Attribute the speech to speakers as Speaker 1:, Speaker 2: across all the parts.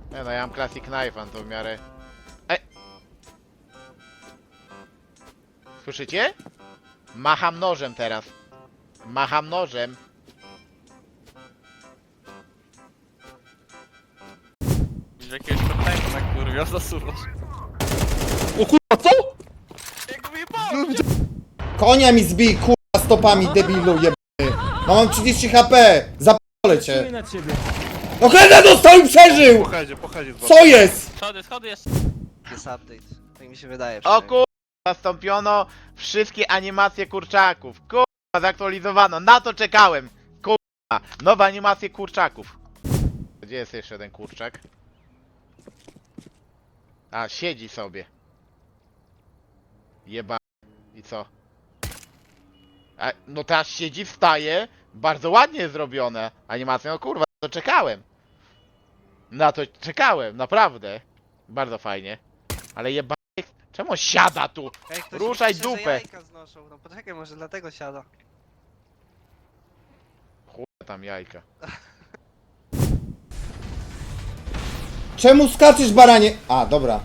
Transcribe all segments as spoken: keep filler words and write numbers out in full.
Speaker 1: Nie no, ja mam Classic Knife'a, to w miarę... Ej! Słyszycie? Macham nożem teraz. Macham nożem.
Speaker 2: Widzisz jakiegoś problemu na kurwa, zasuwasz.
Speaker 3: O kurwa, co?
Speaker 2: Jak wyjebałem!
Speaker 4: Konia mi zbij, kurwa, stopami, debilu jebany. No mam trzydzieści HP, zapolę cię.
Speaker 5: na ciebie.
Speaker 4: No Heda dostał i przeżył!
Speaker 3: Pochodzie, pochodzie.
Speaker 4: Co jest?
Speaker 2: Schody, schody jest.
Speaker 6: Jest update, tak mi się wydaje.
Speaker 1: O
Speaker 6: przynajmniej.
Speaker 1: kurwa, zastąpiono wszystkie animacje kurczaków. Kurwa, zaktualizowano. Na to czekałem. Kurwa, nowe animacje kurczaków. Gdzie jest jeszcze ten kurczak? A, siedzi sobie. Jeba. I co? A, no teraz siedzi, wstaje. Bardzo ładnie zrobione. Animacje, no kurwa, na to czekałem. Na to czekałem, naprawdę. Bardzo fajnie. Ale jeba... Czemu on siada tu?
Speaker 6: Ej, ktoś
Speaker 1: Ruszaj
Speaker 6: pisze, że
Speaker 1: dupę.
Speaker 6: jajka znoszą. No poczekaj, może dlatego siada.
Speaker 1: Chuj tam jajka.
Speaker 4: Czemu skaczesz, baranie? A, dobra.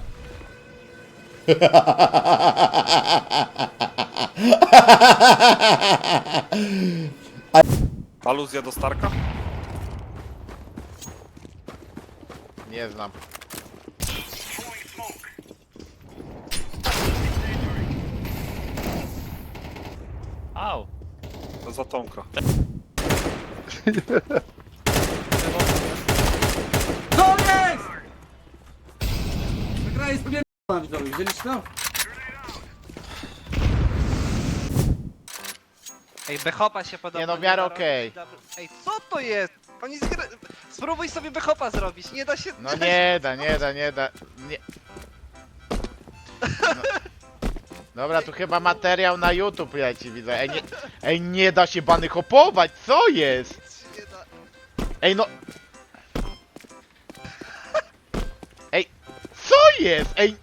Speaker 3: Aluzja do Starka?
Speaker 1: Nie znam.
Speaker 2: Au.
Speaker 3: To za Tomka.
Speaker 5: To jest! Ta gra jest pierdolona, widzowie, widzieliście to?
Speaker 6: Ej, Bechopa się podoba.
Speaker 1: Nie no, w miarę
Speaker 6: da robić
Speaker 1: okej.
Speaker 6: double- Ej, co to jest? Oni zgra... Spróbuj sobie Bechopa zrobić, nie da się...
Speaker 1: No nie da, nie da, nie da. Nie. No. Dobra, tu chyba materiał na YouTube leci, widzę. Ej, nie, ej, nie da się bany hopować, co jest?
Speaker 6: Nie da...
Speaker 1: Ej, no. Ej, co jest? Ej.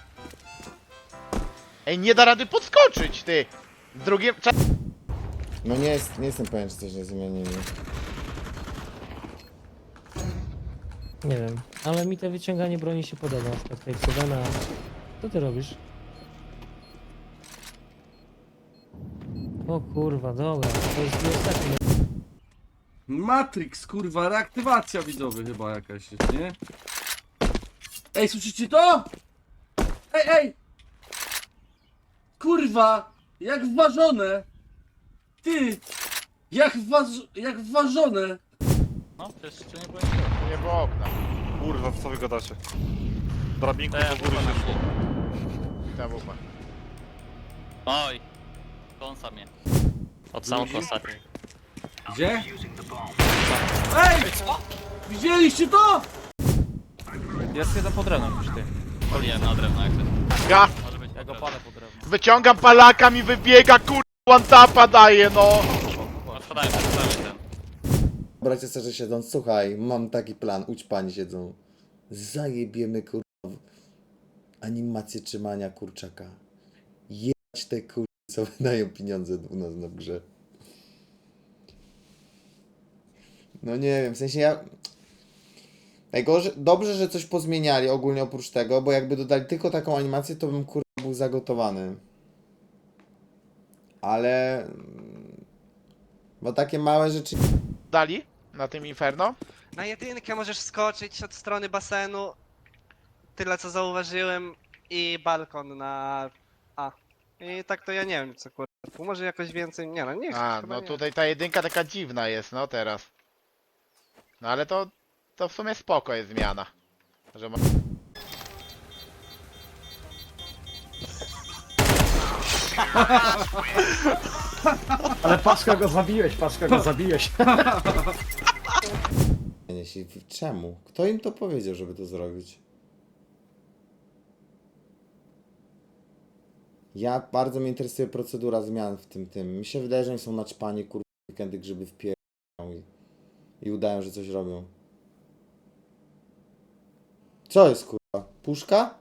Speaker 1: Ej, nie da rady podskoczyć, ty. Z drugim... Cza-
Speaker 4: No nie, jest, nie jestem pewien, czy coś nie zmienili.
Speaker 5: Nie wiem, ale mi to wyciąganie broni się podoba, na przykład tej Sedana. Co ty robisz? O kurwa, dobra, to jest ostatni.
Speaker 7: Matrix, kurwa, reaktywacja widzowy chyba jakaś jest, nie? Ej, słyszycie to? Ej, ej! Kurwa, jak wważone! Ty! Jak waż... jak wważone!
Speaker 2: No, przecież jeszcze nie było nikogo.
Speaker 1: Tu nie było okna.
Speaker 3: Kurwa, co wy gadacie? Drabinką
Speaker 2: Te,
Speaker 3: do góry
Speaker 2: wupa
Speaker 3: się
Speaker 2: nam
Speaker 3: szło.
Speaker 1: Ta wupa.
Speaker 2: Oj. Kąsa mnie. Od samego ostatniej.
Speaker 7: Gdzie? Ej! Widzieliście to?
Speaker 8: Jest jeden pod drewnem już ty.
Speaker 2: Poliłem na drewno, jak to.
Speaker 1: Ja
Speaker 2: Może być
Speaker 8: Ja go palę pod drewno.
Speaker 1: wyciągam palaka, mi wybiega, kur... one tapa daje, no.
Speaker 2: Odpadajmy, odpadajmy ten.
Speaker 4: Bracie szczerze siedząc, słuchaj, mam taki plan, udź pani siedzą. Zajebiemy, kurwa, animację trzymania kurczaka. Jebać te kurwa, co wydają pieniądze u nas na grze. No nie wiem, w sensie ja... Najgorzej, dobrze, że coś pozmieniali ogólnie oprócz tego, bo jakby dodali tylko taką animację, to bym kurwa był zagotowany. Ale... Bo takie małe rzeczy...
Speaker 1: Dali na tym Inferno?
Speaker 6: Na jedynkę możesz skoczyć od strony basenu. Tyle co zauważyłem. I balkon na A. I tak to ja nie wiem co kurwa. Tu może jakoś więcej. Nie no, nie
Speaker 1: A,
Speaker 6: chyba
Speaker 1: no
Speaker 6: nie.
Speaker 1: tutaj ta jedynka taka dziwna jest, no teraz. No ale to, to w sumie spoko jest zmiana. Że ma...
Speaker 5: Ale Paszka go zabiłeś, Paszka go zabiłeś.
Speaker 4: Jeśli- Czemu? Kto im to powiedział, żeby to zrobić? Ja bardzo mnie interesuje procedura zmian w tym tym. Mi się wydaje, że oni są naćpani, kurwa, weekendy grzyby wpierają i, i udają, że coś robią. Co jest, kurwa? Puszka?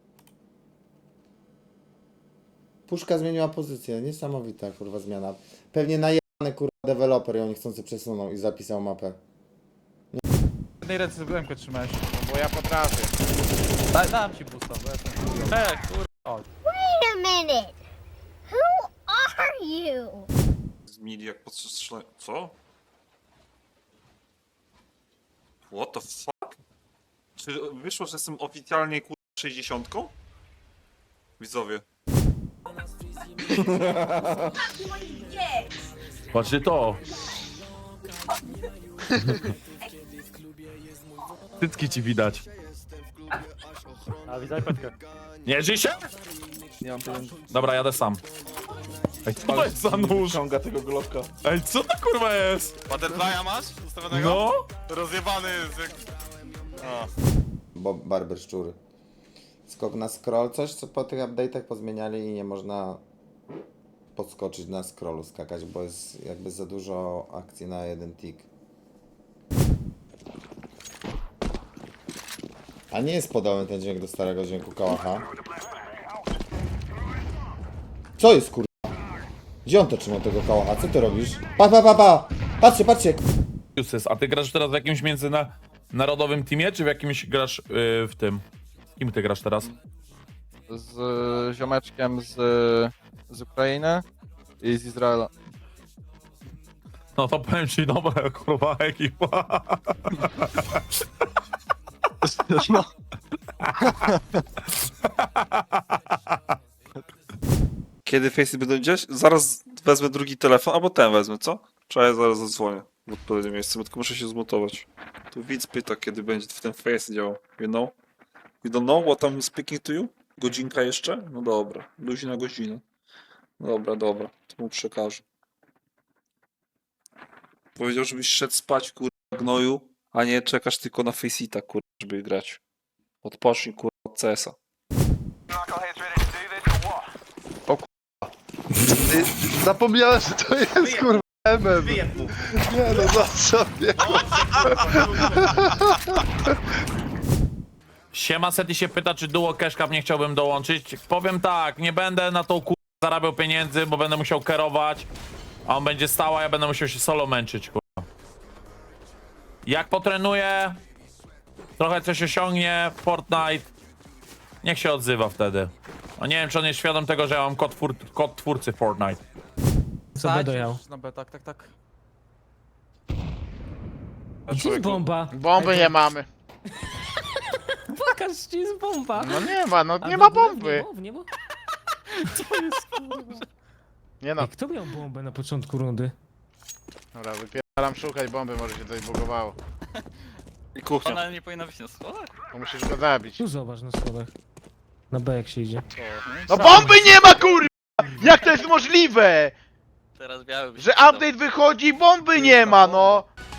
Speaker 4: Puszka zmieniła pozycję. Niesamowita, kurwa, zmiana. Pewnie najebany, kurwa, deweloper ją niechcący przesunął i zapisał mapę.
Speaker 8: W jednej ręce byłem trzymałeś.
Speaker 1: bo ja potrafię.
Speaker 8: Da, dam ci boosta, bo jestem chujowy.
Speaker 2: E, kurwa.
Speaker 9: Wait a minute. Who are you?
Speaker 3: Z mili jak podstrzelę... Co? What the fuck? Czy wyszło, że jestem oficjalnie kurwa sześćdziesiątką? Widzowie.
Speaker 10: Patrzcie to! Cycki ci widać.
Speaker 8: A widzę petkę.
Speaker 10: Nie żyj się?
Speaker 8: Nie mam pieniędzy.
Speaker 10: Dobra, jadę sam. Ej, co to jest za nóż?
Speaker 8: Ciąga tego glowka.
Speaker 10: Ej, co to kurwa jest?
Speaker 3: Butterfly'a masz? Ustawionego?
Speaker 10: No?
Speaker 3: Rozjebany jest jak... A.
Speaker 4: Bo barber szczury. Skok na scroll, coś co po tych update'ach pozmieniali i nie można podskoczyć na scrollu, skakać, bo jest jakby za dużo akcji na jeden tick. A nie jest podobny ten dźwięk do starego dźwięku kałacha. Co jest kurwa? Gdzie on to trzyma tego kałacha? Co ty robisz? Pa, pa, pa, pa! Patrzcie, patrzcie!
Speaker 10: Uses, a ty grasz teraz w jakimś międzynarodowym teamie, czy w jakimś grasz yy, w tym? Kim ty grasz teraz?
Speaker 8: Z ziomeczkiem z, z Ukrainy i z Izraela.
Speaker 10: No to powiem ci, dobra kurwa ekipa.
Speaker 8: No.
Speaker 3: Kiedy Face'y będą gdzieś? Zaraz wezmę drugi telefon, albo ten wezmę, co? Trzeba ja zaraz zadzwonię w odpowiednim miejscu, bo tylko muszę się zmutować. Tu widz pyta, kiedy będzie w ten Face działał. You know? You don't know what I'm speaking to you? Godzinka jeszcze? No dobra. Luźna godzina. Dobra, dobra. To mu przekażę. Powiedział, żebyś szedł spać, kurwa, gnoju, a nie czekasz tylko na Faceita, kurwa, żeby grać. Odpocznij, kurwa, od C S a.
Speaker 8: Zapomniałem, że to jest kurwa M M. Nie no, za sobie.
Speaker 10: Siema Seti się pyta, czy duo Cashcap nie chciałbym dołączyć. Powiem tak, nie będę na tą kur... zarabiał pieniędzy, bo będę musiał kierować, a on będzie stał, a ja będę musiał się solo męczyć, kurwa. Jak potrenuję, trochę coś osiągnie, Fortnite, niech się odzywa wtedy. No nie wiem, czy on jest świadom tego, że ja mam kod, twór... kod twórcy Fortnite.
Speaker 5: Co B dojał?
Speaker 8: Na B, tak, tak, tak.
Speaker 5: Gdzie jest bomba?
Speaker 1: Bomby nie mamy.
Speaker 5: Pokaż, gdzie jest bomba.
Speaker 1: No nie ma, no
Speaker 5: A
Speaker 1: nie
Speaker 5: w
Speaker 1: ma
Speaker 5: ogóle
Speaker 1: bomby.
Speaker 5: W niebo, w niebo? Co jest kurwa?
Speaker 1: Nie no.
Speaker 5: Ej, kto miał bombę na początku rundy?
Speaker 1: Dobra, wypieram szukać bomby, może się coś bugowało.
Speaker 3: I kuchnia.
Speaker 2: Ona nie powinna być na schodach?
Speaker 1: To musisz go zabić.
Speaker 5: Tu zobacz na schodach. Na B jak się idzie.
Speaker 1: No bomby nie ma kurwa! Jak to jest możliwe?
Speaker 2: Teraz biały by się
Speaker 1: Że
Speaker 2: przydał.
Speaker 1: update wychodzi i bomby nie ma, no!